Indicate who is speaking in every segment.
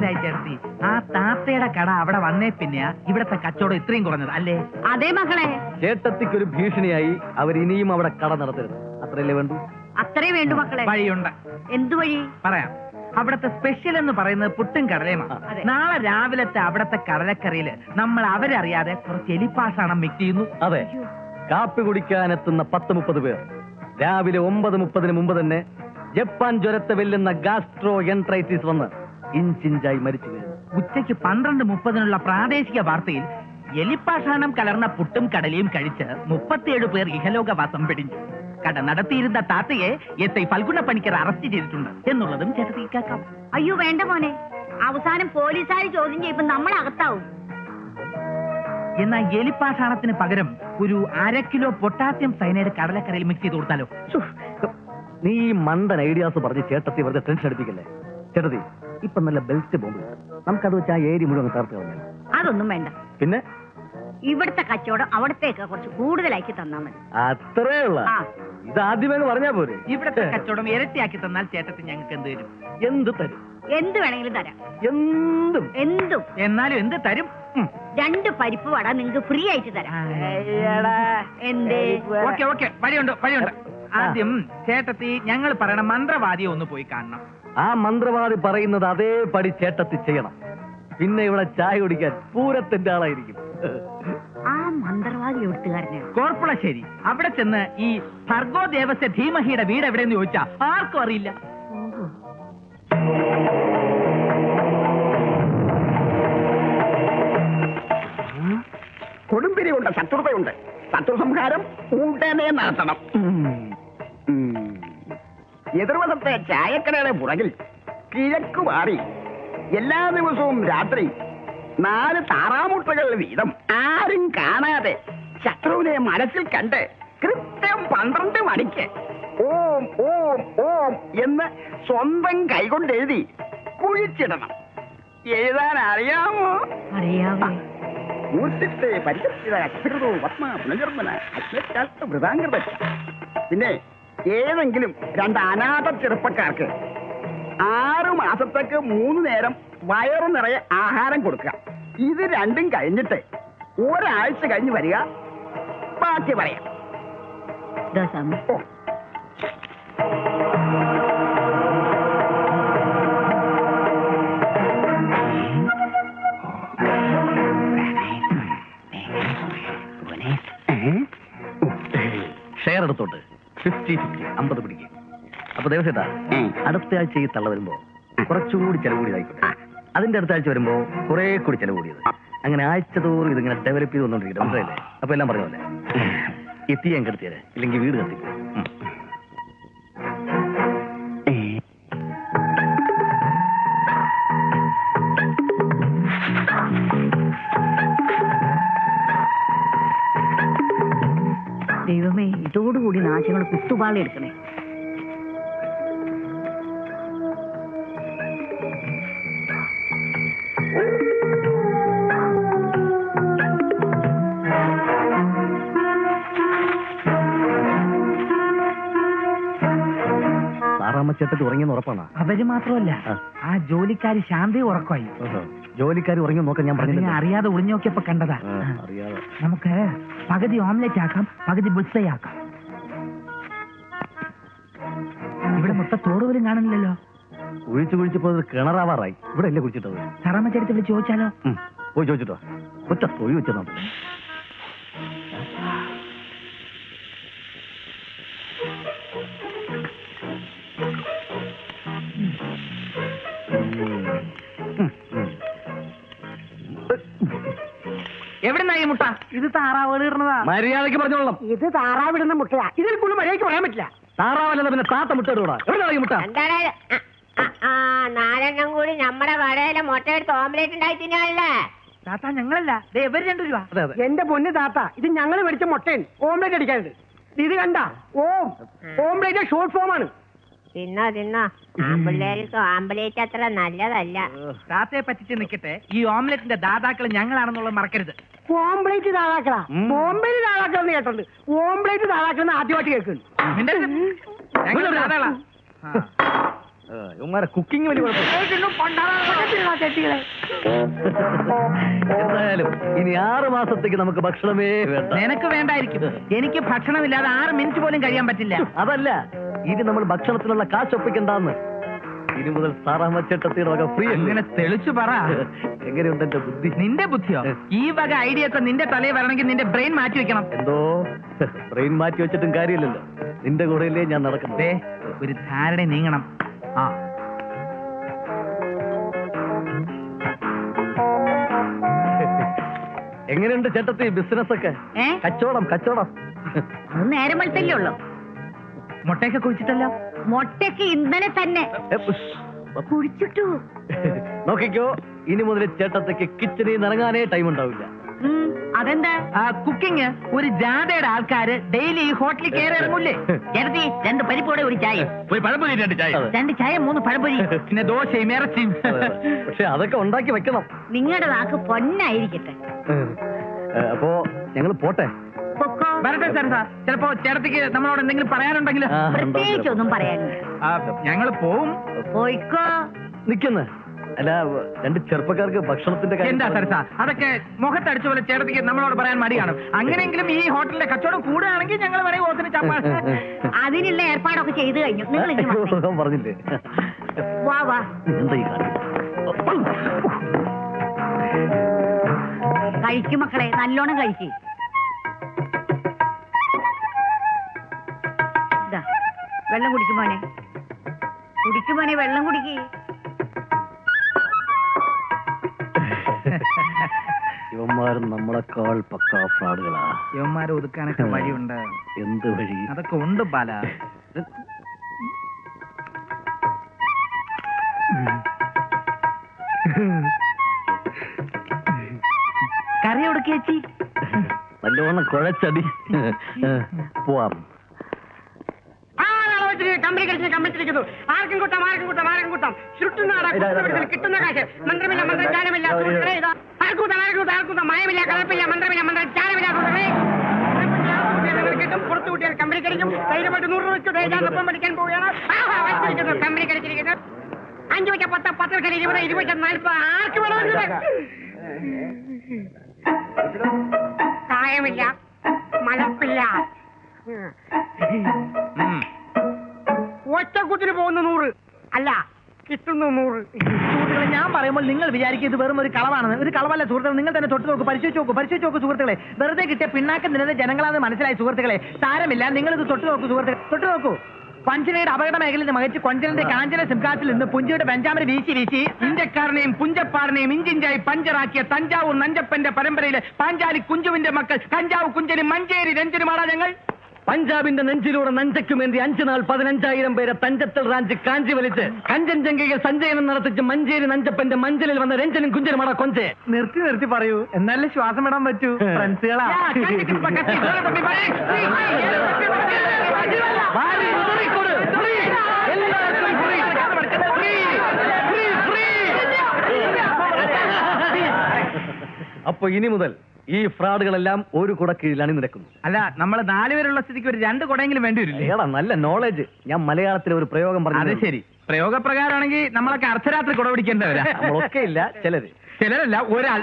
Speaker 1: മനസ്സിലായി ചേർത്തി. ആ താത്തയുടെ കട അവിടെ വന്നേ പിന്നെയാ ഇവിടത്തെ കച്ചവടം ഇത്രയും കുറഞ്ഞത് അല്ലേ?
Speaker 2: അതെ മകളെ.
Speaker 3: ചേട്ടത്തിക്കൊരു ഭീഷണിയായി അവർ ഇനിയും അവിടെ കട നടത്തരുത്. അത്രയല്ലേ വേണ്ടു?
Speaker 2: അത്രേ വേണ്ടു മക്കളെ.
Speaker 1: വഴിയുണ്ട്.
Speaker 2: എന്തു വഴി?
Speaker 1: പറയാം. അവിടത്തെ സ്പെഷ്യൽ എന്ന് പറയുന്നത് പുട്ടും കടലയുമാണ്. നാളെ രാവിലത്തെ അവിടത്തെ കടലക്കറിയില് നമ്മൾ അവരറിയാതെ കുറച്ച് എലിപ്പാഷാണം മിക്സ് ചെയ്യുന്നു.
Speaker 3: അതെ, കാപ്പി കുടിക്കാനെത്തുന്ന 10-30 പേർ രാവിലെ 9:30 മുമ്പ് തന്നെ ജപ്പാൻ ജ്വരത്തെ വെല്ലുന്ന ഗാസ്ട്രോ എൻട്രൈറ്റിസ് വന്ന് ഇഞ്ചിഞ്ചായി മരിച്ചു വീഴുന്നു.
Speaker 1: ഉച്ചയ്ക്ക് 12:30 പ്രാദേശിക വാർത്തയിൽ എലിപ്പാഷാണം കലർന്ന പുട്ടും കടലയും കഴിച്ച് 37 പേർ ഇഹലോകവാസം പിടിഞ്ഞു. കട നടത്തിയിരുന്ന താത്തയെ എസ്.ഐ. ഫൽഗുണ പണിക്കർ അറസ്റ്റ് ചെയ്തിട്ടുണ്ട് എന്നുള്ളതും ചേട്ടത്തി കേൾക്കാം.
Speaker 2: അയ്യോ വേണ്ട മോനെ, അവസാനം പോലീസുകാർ ചോദ്യം ചെയ്യുമ്പോ നമ്മൾ അകത്താവും.
Speaker 1: എന്നാൽ എലിപ്പാഷാണത്തിന് പകരം ഒരു 1/2 കിലോ പൊട്ടാസ്യം സയനൈഡ് കടലക്കറിയിൽ മിക്സ് ചെയ്ത് കൊടുത്താലോ?
Speaker 3: നീ മണ്ടൻ ഐഡിയാസ് പറഞ്ഞ് ചേട്ടത്തി വെറുതെ ടെൻഷൻ അടിപ്പിക്കല്ലേ. ചേട്ടത്തി, ഇപ്പൊ നല്ല ബെൽറ്റ് ബോംബ് നമുക്കത് വെച്ച് ആ ഏരി മുഴുവൻ തകർത്ത് കളഞ്ഞു.
Speaker 2: അതൊന്നും വേണ്ട.
Speaker 3: പിന്നെ
Speaker 2: ഇവിടുത്തെ കച്ചവടം അവിടത്തേക്ക് കുറച്ച് കൂടുതലാക്കി തന്നാ മതി.
Speaker 3: അത്രേ ഉള്ള. ഇത് ആദ്യമേ പറഞ്ഞാ പോരെ.
Speaker 1: ഇവിടത്തെ കച്ചവടം ഇരട്ടിയാക്കി തന്നാൽ ചേട്ടത്തി ഞങ്ങൾക്ക് എന്ത് തരും?
Speaker 3: എന്ത് തരും?
Speaker 2: എന്ത് വേണമെങ്കിലും തരാം.
Speaker 3: എന്തും.
Speaker 2: എന്തും.
Speaker 1: എന്നാലും എന്ത് തരും?
Speaker 2: 2 പരിപ്പ് വട നിങ്ങൾക്ക് ഫ്രീ ആയിട്ട് തരാം. എന്തേ?
Speaker 1: ഓക്കെ, വഴിയുണ്ട്. ആദ്യം ചേട്ടത്തി ഞങ്ങൾ പറയണ മന്ത്രവാദിയെ ഒന്ന് പോയി കാണണം.
Speaker 3: ആ മന്ത്രവാദി പറയുന്നത് അതേപടി ചേട്ടത്തി ചെയ്യണം. പിന്നെ ഇവിടെ ചായ കുടിക്കാൻ പൂരത്തിന്റെ ആളായിരിക്കും.
Speaker 2: ആ മന്ത്രവാദി എഴുത്തുകാരനാണ്
Speaker 1: കോർപ്പുളശ്ശേരി. അവിടെ ചെന്ന് ഈ ഭർഗോ ദേവസ്യ ധീമഹിയുടെ വീട് എവിടെയെന്ന് ചോദിച്ചാ ആർക്കും അറിയില്ല.
Speaker 4: കൊടുമ്പിരിയുണ്ട്, ശത്രുതയുണ്ട്. ശത്രു സംഹാരം ഉടനെ നടത്തണം. എതിർവശത്തെ ചായക്കടയുടെ പുറകിൽ കിഴക്ക് മാറി എല്ലാ ദിവസവും രാത്രി 4 താറാമുട്ടകൾ വീതം ആരും കാണാതെ ശത്രുവിനെ മനസ്സിൽ കണ്ട് കൃത്യം 12 മണിക്ക് ഓം ഓം ഓം എന്ന് സ്വന്തം കൈകൊണ്ട് എഴുതി കുഴിച്ചിടണം. എഴുതാൻ അറിയാമോ?
Speaker 2: അറിയാമോ?
Speaker 4: മൂർത്തിത്തെ പരിചരിത അക്ഷരതോ പത്മ പുനർജന്മന അശ്വക്കാലത്ത് വൃതാംഗത. പിന്നെ ഏതെങ്കിലും 2 അനാഥ ചെറുപ്പക്കാർക്ക് 6 മാസത്തേക്ക് 3 നേരം വയറു നിറയെ ആഹാരം കൊടുക്കുക. ഇത് രണ്ടും കഴിഞ്ഞിട്ട് ഒരാഴ്ച കഴിഞ്ഞ് വരിക. ബാക്കി പറയാം.
Speaker 3: ഷെയർ എടുത്തോട്ട് 50-50 50 പിടിക്കും. അപ്പൊ ദേവസേട്ടാ, അടുത്ത ആഴ്ച ഈ തള്ള വരുമ്പോ കുറച്ചുകൂടി ചെലവ് കൂടിയതായിക്കോട്ടെ. അതിന്റെ അടുത്ത ആഴ്ച വരുമ്പോ കുറെ കൂടി ചെലവ് കൂടിയത്. അങ്ങനെ ആഴ്ച തോറും ഇതിങ്ങനെ ഡെവലപ്പ് ചെയ്ത് വന്നോണ്ടിരിക്കും. മനസ്സിലായില്ലേ? അപ്പൊ എല്ലാം പറഞ്ഞ പോലെ എത്തി ഞാൻ കെടുത്തിയത്, ഇല്ലെങ്കിൽ വീട് കത്തിക്കും.
Speaker 2: ദൈവമേ, ഇതോടുകൂടി നാശങ്ങൾ കുത്തുപാളി എടുക്കണേ.
Speaker 3: ചേട്ടത്തി ഉറങ്ങിയെന്ന് ഉറപ്പാണ്.
Speaker 1: അവര് മാത്രമല്ല, ആ ജോലിക്കാരി ശാന്തി ഉറക്കമായി.
Speaker 3: ജോലിക്കാരി ഉറങ്ങി നോക്കാൻ ഞാൻ പറഞ്ഞു.
Speaker 1: അറിയാതെ ഒളിഞ്ഞു നോക്കിയപ്പോ കണ്ടതാ. നമുക്ക് പകുതി ഓംലെറ്റ് ആക്കാം, പകുതി ബുൾസൈ ആക്കാം. ഇവിടെ മൊത്തം തോട് പോലും കാണുന്നില്ലല്ലോ.
Speaker 3: കുഴിച്ചപ്പോ കിണറാവാറായി. ഇവിടെ അല്ലേ കുഴിച്ചിട്ടത്?
Speaker 1: സാറാമ്മച്ചെടുത്ത് വിളിച്ച് ചോദിച്ചാലോ?
Speaker 3: പോയി ചോദിച്ചിട്ടോ. ഒറ്റ തൊഴി വെച്ചതാണ്.
Speaker 1: എവിടുന്നായി മുട്ട? ഇത് താറാവ് ഇടുന്നതാ.
Speaker 3: മര്യാദക്ക് പറഞ്ഞോളാം.
Speaker 4: ഇത് താറാവിടുന്ന മുട്ടയാ. ഇതിൽ കൂടുതൽ മര്യാദയ്ക്ക് പറയാൻ പറ്റില്ല.
Speaker 3: താറാവല്ല, പിന്നെ താത്ത മുട്ട ഇടൂടാ. എവിടുന്നായി മുട്ട?
Speaker 2: 4 കൂടി നമ്മുടെ കടയിലെ മുട്ട എടുത്ത് ഓംലേറ്റ് ഉണ്ടായി തിന്നാനല്ലേ?
Speaker 1: താത്ത ഞങ്ങളല്ല, ഇവര് 2 രൂപ.
Speaker 4: എന്റെ പൊന്ന് താത്ത, ഇത് ഞങ്ങൾ മേടിച്ച മുട്ടയാണ്. ഓംലേറ്റ് അടിക്കാനുണ്ട്. ഇത് കണ്ട ഓംലേറ്റ് ഷോർട്ട് ഫോം ആണ്.
Speaker 2: തിന്നോ ആമ്പിള്ളേർക്ക് ആംബുലേറ്റ് അത്ര നല്ലതല്ല.
Speaker 1: താത്തയെ പറ്റിച്ച് നിൽക്കട്ടെ. ഈ ഓംലെറ്റിന്റെ ദാതാക്കൾ ഞങ്ങളാണെന്നുള്ളത് മറക്കരുത്.
Speaker 4: ഓംലേറ്റ് ദാതാക്കളാ? ബോംബെയിൽ ദാതാക്കളെന്ന് കേട്ടുണ്ട്. ഓംലേറ്റ് ദാതാക്കളെന്ന് ആദ്യമായിട്ട് കേൾക്കുന്നു.
Speaker 3: അവന്മാരെ കുക്കിംഗ് വലിയ
Speaker 4: ചെട്ടികളെ
Speaker 3: എന്തായാലും ഇനി 6 മാസത്തേക്ക് നമുക്ക് ഭക്ഷണമേ വേണ്ട.
Speaker 1: നിനക്ക് വേണ്ടായിരിക്കും, എനിക്ക് ഭക്ഷണമില്ലാതെ 6 മിനിറ്റ് പോലും കഴിയാൻ പറ്റില്ല.
Speaker 3: അതല്ല, ഇനി നമ്മൾ ഭക്ഷണത്തിനുള്ള കാശ് ഒപ്പിക്കണ്ടെന്ന്. ഇനി മുതൽ സാറാമച്ചേട്ടത്തിയുടെ വക ഫ്രീ.
Speaker 1: അങ്ങനെ തെളിച്ചു പറ.
Speaker 3: എങ്ങനെയുണ്ട് എന്റെ ബുദ്ധി?
Speaker 1: നിന്റെ ബുദ്ധിയോ? ഈ വക ഐഡിയ ഒക്കെ നിന്റെ തലയിൽ വരണമെങ്കിൽ നിന്റെ ബ്രെയിൻ മാറ്റി വെക്കണം.
Speaker 3: എന്തോ ബ്രെയിൻ മാറ്റി വെച്ചിട്ടും കാര്യമില്ലല്ലോ, നിന്റെ കൂടെയല്ലേ ഞാൻ നടക്കുന്നത്.
Speaker 1: ദേ, ഒരു ധാരണ നീങ്ങണം. ആ,
Speaker 3: എങ്ങനെയുണ്ട് ചേട്ടത്തി ബിസിനസ് ഒക്കെ? കച്ചവടം കച്ചവടം.
Speaker 2: അത് നേരം വെളുത്തല്ലേ ഉള്ളു.
Speaker 1: മുട്ടയൊക്കെ കുഴിച്ചിട്ടല്ലോ.
Speaker 2: മുട്ടയ്ക്ക് ഇന്നലെ തന്നെ കുഴിച്ചിട്ടു.
Speaker 3: നോക്കിക്കോ, ഇനി മുതൽ ചേട്ടത്തേക്ക് കിച്ചണിൽ നിന്ന് ഇറങ്ങാനേ ടൈം ഉണ്ടാവില്ല.
Speaker 2: അതെന്താ?
Speaker 1: കുക്കിംഗ് ഒരു ജാഥയുടെ ആൾക്കാര് ഡെയിലി ഈ ഹോട്ടലിൽ കയറി ഇറങ്ങൂലേ?
Speaker 2: ചേട്ടത്തി 2 പരിപ്പോടെ ഒരു ചായ,
Speaker 1: ഒരു പഴംപൊരി 2 ചായ,
Speaker 2: 2 ചായ 3 പഴംപൊരി,
Speaker 1: പിന്നെ ദോശയും ഇറച്ചിയും.
Speaker 3: പക്ഷെ അതൊക്കെ ഉണ്ടാക്കി വെക്കണം.
Speaker 2: നിങ്ങളുടെ നാക്ക് പൊന്നായിരിക്കട്ടെ.
Speaker 3: അപ്പോ ഞങ്ങൾ പോട്ടെ.
Speaker 2: പൊക്കോ.
Speaker 1: വരട്ടെ സാർ. ചിലപ്പോ ചേട്ടത്തിക്ക് നമ്മളോട് എന്തെങ്കിലും പറയാനുണ്ടെങ്കിൽ
Speaker 2: പ്രത്യേകിച്ചൊന്നും പറയാനില്ല.
Speaker 1: ഞങ്ങൾ പോവും.
Speaker 2: പോയിക്കോ.
Speaker 3: നിക്കുന്ന അല്ല, 2 ചെറുപ്പക്കാർക്ക് ഭക്ഷണത്തിന്റെ
Speaker 1: എന്താ സാർ അതൊക്കെ മുഖത്തടിച്ച പോലെ ചേട്ടത്തിക്ക് നമ്മളോട് പറയാൻ മടിയാണ്. അങ്ങനെയെങ്കിലും ഈ ഹോട്ടലിലെ കച്ചവടം കൂടുകയാണെങ്കിൽ ഞങ്ങൾ വരെ ഓത്തിന് ചപ്പാ.
Speaker 2: അതിനുള്ള ഏർപ്പാടൊക്കെ ചെയ്തു കഴിഞ്ഞു. നിങ്ങൾ ഇനി വന്നേ.
Speaker 3: പറഞ്ഞില്ലേ?
Speaker 2: വാ വാ.
Speaker 3: എന്താ ഈ കാര്യം?
Speaker 2: കഴിക്കും മക്കളെ, നല്ലോണം കഴിക്കും. വെള്ളം കുടിക്കുമോനെ, കുടിക്കുമോനെ, വെള്ളം കുടിക്ക്.
Speaker 3: ഇവന്മാരും നമ്മളെക്കാൾ പക്കാ ഫ്രോഡുകളാ.
Speaker 1: യവന്മാരെ ഒതുക്കാനൊക്കെ വഴിയുണ്ട്.
Speaker 3: എന്ത് വഴി?
Speaker 1: അതൊക്കെ ഉണ്ട് ബാല. കറി എവിടേക്ക് ചേച്ചി?
Speaker 3: നല്ലോണം കുഴച്ചടി. പോവാം.
Speaker 4: കമ്പനി കമ്പിച്ചിരിക്കുന്നു. ആർക്കും കൂട്ടാം, ആർക്കും കൂട്ടാം, ആർക്കും കൂട്ടാം. കിട്ടുന്ന കാശ് മന്ത്രമില്ല, മന്ത്രചാരമില്ല. ആർക്കൂട്ടാം, മയമില്ല, കളപ്പില്ല, മന്ത്രമില്ല, മന്ത്രചാരമില്ല. കിട്ടും, പുറത്തു കൂട്ടിയാൽ കമ്പനി കഴിക്കും. ധൈര്യമായിട്ട് 100 രൂപ വെച്ചു ധൈര്യാനൊപ്പം പഠിക്കാൻ പോവുകയാണ്. കമ്പനി കഴിച്ചിരിക്കുന്നത് 5 വെച്ച 10, 10 വെച്ചാൽ 20, 20 വെച്ചാൽ 40. ആർക്ക് വേണമെങ്കിലും കായമില്ല, മലപ്പില്ല. ഒറ്റക്കുത്തിന് പോകുന്ന 100 അല്ല, കിട്ടുന്നു 100.
Speaker 1: സുഹൃത്തുക്കളെ, ഞാൻ പറയുമ്പോൾ നിങ്ങൾ വിചാരിക്കും ഇത് വെറും ഒരു കളവാണെന്ന്. ഒരു കളവല്ല സുഹൃത്തുക്കളെ. നിങ്ങൾ തന്നെ തൊട്ട് നോക്കൂ, പരിശോധിച്ച് നോക്കൂ സുഹൃത്തുക്കളെ. വെറുതെ കിട്ടിയ പിണ്ണാക്കം നിന്നത് ജനങ്ങളാന്ന് മനസ്സിലായി സുഹൃത്തുക്കളെ. സാരമില്ല, നിങ്ങൾ ഇത് തൊട്ട് നോക്കൂ സുഹൃത്തുക്കളെ, തൊട്ട് നോക്കൂ. പഞ്ചനയുടെ അപകട മേഖലയിൽ നിന്ന് മകച്ച് കൊഞ്ചലിന്റെ കാഞ്ചന സിംകാറ്റിൽ നിന്ന് പുഞ്ചയുടെ പെഞ്ചാമര വീശി വീശി ഇന്ത്യക്കാരനെയും പുഞ്ചപ്പാറിനെയും ഇഞ്ചിഞ്ചായി പഞ്ചറാക്കിയ തഞ്ചാവൂർ നഞ്ചപ്പന്റെ പരമ്പരയിലെ പാഞ്ചാലി കുഞ്ചുവിന്റെ മക്കൾ കഞ്ചാവ് കുഞ്ചനും മഞ്ചേരി രഞ്ജനുമാടാ ഞങ്ങൾ.
Speaker 3: പഞ്ചാബിന്റെ നെഞ്ചിലൂടെ നഞ്ചയ്ക്കുമേന്തി 5 നാൾ 15,000 പേരെ തഞ്ചത്തൽ റാഞ്ച് കാഞ്ചി വലിച്ച് കഞ്ചൻജംഗയിൽ സഞ്ചയനം നടത്തിച്ച് മഞ്ചേരി നഞ്ചപ്പന്റെ മഞ്ചലിൽ വന്ന രഞ്ജനും കുഞ്ചനുമാടാ കൊഞ്ചേ.
Speaker 1: നിർത്തി പറയൂ, എന്നാലേ ശ്വാസം വിടാൻ പറ്റൂ. ഫ്രണ്ട്സുകളാ.
Speaker 3: അപ്പൊ ഇനി മുതൽ ഈ ഫ്രോഡുകളെല്ലാം ഒരു കുട കീഴിൽ അണിനിരക്കുന്നു.
Speaker 1: അല്ല, നമ്മൾ 4 പേരുള്ള സ്ഥിതിക്ക് ഒരു 2 കുടയെങ്കിലും വേണ്ടി വരില്ലേ?
Speaker 3: ഏടാ, നല്ല നോളജ്. ഞാൻ മലയാളത്തിലെ ഒരു പ്രയോഗം പറഞ്ഞു.
Speaker 1: അത് ശരി, പ്രയോഗപ്രകാരമാണെങ്കിൽ നമ്മളൊക്കെ അർദ്ധരാത്രി കുട പിടിക്കേണ്ടവരാ.
Speaker 3: നമ്മളൊക്കെ ഇല്ല,
Speaker 1: ചിലരല്ല, ഒരാൾ.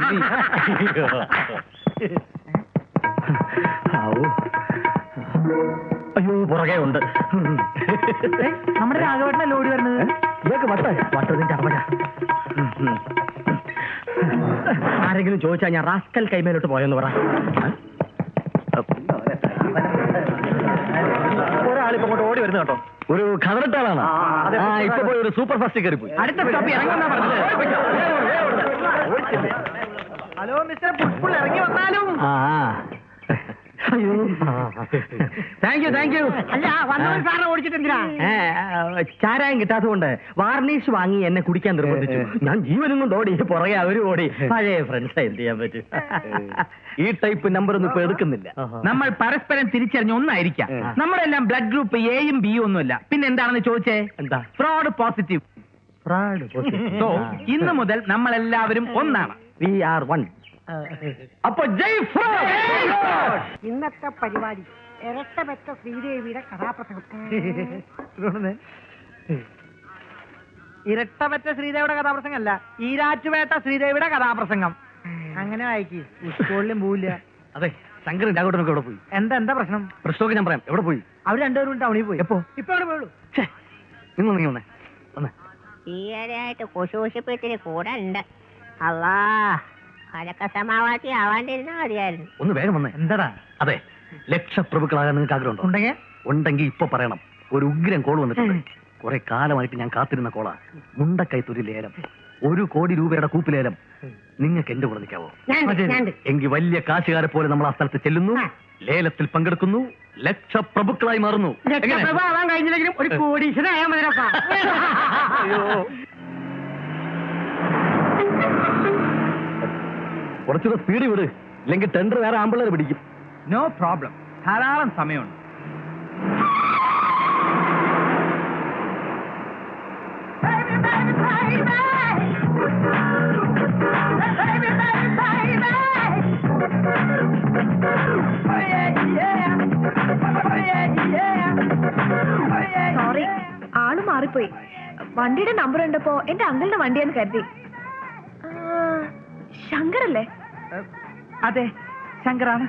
Speaker 3: അയ്യോ, പുറകെ ഉണ്ട്.
Speaker 1: നമ്മുടെ രാഘവേട്ടനല്ലേ ഓടി വരുന്നത്?
Speaker 3: ഇതൊക്കെ വട്ടതിന്റെ അമ്മ.
Speaker 1: ആരെങ്കിലും ചോദിച്ചാൽ ഞാൻ റാസ്കൽ കൈമേലോട്ട് പോയെന്ന് പറ.
Speaker 3: ഒരാളിപ്പോ അങ്ങോട്ട് ഓടി വരുന്നത് കേട്ടോ. ഒരു ഖദറിട്ടാളാണ്. ഇപ്പൊ പോയി ഒരു സൂപ്പർ ഫാസ്റ്റ് കയറി പോയി.
Speaker 1: അടുത്ത സ്റ്റോപ്പ് ഇറങ്ങുന്ന പറഞ്ഞത്. ഹലോ മിസ്റ്റർ പുഷ്പുൾ, ഇറങ്ങി വന്നാലും. Thank you.
Speaker 4: അല്ല, വന്നവൻ സാറിനെ ഓടിച്ചിട്ടെന്തിനാ?
Speaker 1: ചാരായം കിട്ടാത്തതുകൊണ്ട് വാർണിഷ് വാങ്ങി എന്നെ കുടിക്കാൻ നിർബന്ധിച്ചു. ഞാൻ ജീവനും കൊണ്ട് ഓടി, പുറകെ അവരും ഓടി. പഴയ ഫ്രണ്ട്സ്, എന്ത് ചെയ്യാൻ പറ്റും?
Speaker 3: ഈ ടൈപ്പ് നമ്പർ ഒന്നും ഇപ്പൊ എടുക്കുന്നില്ല.
Speaker 1: നമ്മൾ പരസ്പരം തിരിച്ചറിഞ്ഞ ഒന്നായിരിക്കാം. നമ്മളെല്ലാം ബ്ലഡ് ഗ്രൂപ്പ് എയും ബിയും ഒന്നുമില്ല. പിന്നെ എന്താണെന്ന് ചോദിച്ചേ?
Speaker 3: എന്താ?
Speaker 1: Fraud positive. സോ ഇന്ന് മുതൽ നമ്മളെല്ലാവരും ഒന്നാണ്.
Speaker 3: We are one. അപ്പൊ ജയ് ഫ്രോഡ്.
Speaker 4: ഇന്നത്തെ പരിപാടി ഇരട്ട വെച്ച ശ്രീദേവിയുടെ കഥാപ്രസംഗം. ഇരട്ടപറ്റ ശ്രീദേവിയുടെ കഥാപ്രസംഗം അല്ല, ഈരാറ്റുപേട്ട ശ്രീദേവിയുടെ കഥാപ്രസംഗം. അങ്ങനെ വായിക്ക്, സ്കൂളിലും പോവില്ല.
Speaker 3: അതെ, ശങ്കരൻ രാഘവട്ടനൊക്കെ എവിടെ പോയി?
Speaker 4: എന്താ പ്രശ്നം?
Speaker 3: പ്രശ്നമൊക്കെ ഞാൻ പറയാം. എവിടെ പോയി?
Speaker 4: അവർ രണ്ടുപേരും ടൗണിൽ പോയി.
Speaker 3: എപ്പോ?
Speaker 4: ഇപ്പൊ അവിടെ പോയുള്ളൂ.
Speaker 3: നിങ്ങൾ നീ വന്നേ വന്നേ.
Speaker 2: ഈയിടെയായിട്ട് കുശൂഷിപ്പിച്ചിട്ട് കൂടെ ഉണ്ട്. അല്ലാ, അതൊക്കെ സമാവാത്തി ആവാണ്ടിരുന്നാ മതിയായിരുന്നു.
Speaker 3: ഒന്ന് വേഗം വന്നേ.
Speaker 4: എന്താടാ?
Speaker 3: അതെ, ലക്ഷപ്രഭുക്കളാകാൻ നിങ്ങൾക്ക് ആഗ്രഹമുണ്ടോ?
Speaker 4: ഉണ്ടെങ്കിൽ
Speaker 3: ഉണ്ടെങ്കിൽ ഇപ്പൊ പറയണം. ഒരു ഉഗ്രം കോൾ വന്നിട്ടുണ്ട്. കുറെ കാലമായിട്ട് ഞാൻ കാത്തിരുന്ന കോളാ. മുണ്ടക്കൈത്തൊരു ലേലം, 1 കോടി രൂപയുടെ കൂപ്പിലേലം. നിങ്ങൾക്ക് എന്റെ കൂടെ നിൽക്കാവോ? എങ്കിൽ വലിയ കാശുകാരെ പോലെ നമ്മൾ ആ സ്ഥലത്ത് ചെല്ലുന്നു, ലേലത്തിൽ പങ്കെടുക്കുന്നു, ലക്ഷപ്രഭുക്കളായി മാറുന്നു.
Speaker 4: ആവാൻ കഴിഞ്ഞില്ലെങ്കിലും ഒരു കോടീശ്വരനായാൽ മതിരപ്പാ.
Speaker 3: കുറച്ചുകൂടെ സ്പീഡ് വിട്, ഇല്ലെങ്കിൽ ടെൻഡർ വേറെ ആമ്പിള്ളേർ പിടിക്കും.
Speaker 1: നോ പ്രോബ്ലം, ധാരാളം സമയമുണ്ട്.
Speaker 5: സോറി, ആള് മാറിപ്പോയി. വണ്ടിയുടെ നമ്പർ ഉണ്ടപ്പോ എന്റെ അങ്കിളിന്റെ വണ്ടിയെന്ന് കരുതി. ശങ്കറല്ലേ?
Speaker 1: അതെ, ശങ്കറാണ്.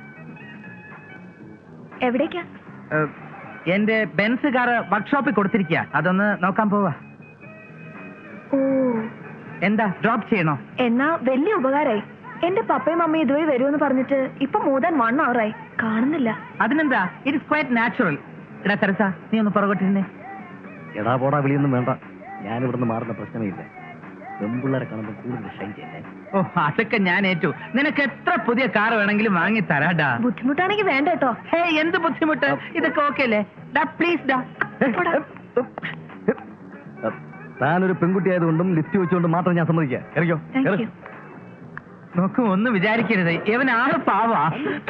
Speaker 5: എവിടേക്കാ?
Speaker 1: എന്റെ ബെൻസ് കാർ വർക്ക്ഷോപ്പിൽ കൊടുത്തിരിക്കുക, അതൊന്ന് നോക്കാൻ പോവാ.
Speaker 5: ഓ,
Speaker 1: എന്താ ഡ്രോപ്പ് ചെയ്യണോ?
Speaker 5: എന്നാ വലിയ ഉപകാരായി. എന്റെ പപ്പയും മമ്മയും ഇതുവഴി വരുമെന്ന് പറഞ്ഞിട്ട് ഇപ്പൊ more than 1 hour ആയി, കാണുന്നില്ല.
Speaker 1: അതിനെന്താ, ഇറ്റ്സ് ക്വൈറ്റ് നാച്ചുറൽ. എടാ തെരസ, നീ ഒന്ന് പുറകോട്ടിരുന്നേ.
Speaker 3: എടാ പോടാ വിളിയൊന്നും വേണ്ട, ഞാൻ ഇവിടുന്ന് മാറുന്ന പ്രശ്നമേ ഇല്ല. പെമ്പിള്ളേരെ കാണുമ്പോൾ കൂടുതൽ ഷൈൻ ചെയ്യല്ലേ.
Speaker 1: ഓ, അതൊക്കെ ഞാൻ ഏറ്റു. നിനക്ക് എത്ര പുതിയ കാർ വേണമെങ്കിലും വാങ്ങി തരാടാ.
Speaker 5: ബുദ്ധിമുട്ടാണെങ്കിൽ വേണ്ട കേട്ടോ.
Speaker 1: ഹേ, എന്ത് ബുദ്ധിമുട്ട്? ഇതൊക്കെ ഓക്കെ അല്ലേ? ഡാ പ്ലീസ് ഡാ.
Speaker 3: താനൊരു പെൺകുട്ടി ആയതുകൊണ്ടും ലിഫ്റ്റ് വെച്ചുകൊണ്ടും മാത്രം ഞാൻ സമ്മതിക്കാം. ഇറങ്ങിയോ?
Speaker 5: Thank you.
Speaker 1: നോക്കൂ, ഒന്നും വിചാരിക്കരുത്, ഇവൻ ആള് പാവാ.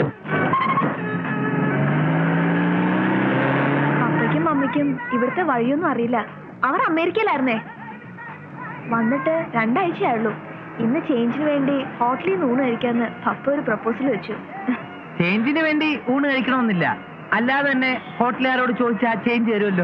Speaker 5: പപ്പയ്ക്കും മമ്മിക്കും ഇവിടുത്തെ വഴിയൊന്നും അറിയില്ല. അവർ അമേരിക്കയിലായിരുന്നേ. വന്നിട്ട് 2 ആഴ്ചയായുള്ളൂ. ഇന്ന് ചേഞ്ചിന് വേണ്ടി ഹോട്ടലിൽ നിന്ന് ഊണ് കഴിക്കാന്ന് പപ്പ ഒരു പ്രപ്പോസൽ വെച്ചു.
Speaker 1: ചേഞ്ചിന് വേണ്ടി ഊണ് കഴിക്കണമെന്നില്ല, അല്ലാതെ തന്നെ ഹോട്ടലുകാരോട് ചോദിച്ചാൽ ചേഞ്ച് തരുമല്ലോ.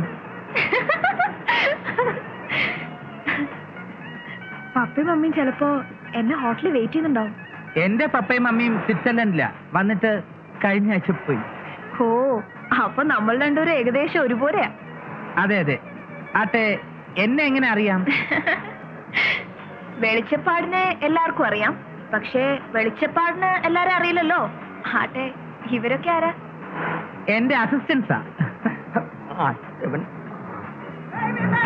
Speaker 5: പപ്പയും മമ്മിയും ചിലപ്പോ എന്നെ ഹോട്ടലിൽ വെയിറ്റ് ചെയ്യുന്നുണ്ടാവും.
Speaker 1: എന്റെ പപ്പയും മമ്മിയും സ്വിറ്റ്സർലൻഡിലാ, വന്നിട്ട് കഴിഞ്ഞ ആഴ്ച പോയി.
Speaker 5: ഓ, അപ്പൊ നമ്മൾ രണ്ടുപേരും ഏകദേശം ഒരുപോലെയാ.
Speaker 1: അതെ അതെ. ആട്ടെ, എന്നെ എങ്ങനെ അറിയാം?
Speaker 5: വെളിച്ചപ്പാടിനെ എല്ലാവർക്കും അറിയാം, പക്ഷേ വെളിച്ചപ്പാടിന് എല്ലാരും അറിയില്ലല്ലോ. ആട്ടെ, ഇവരൊക്കെ ആരാ?
Speaker 1: എന്റെ അസിസ്റ്റൻസാ.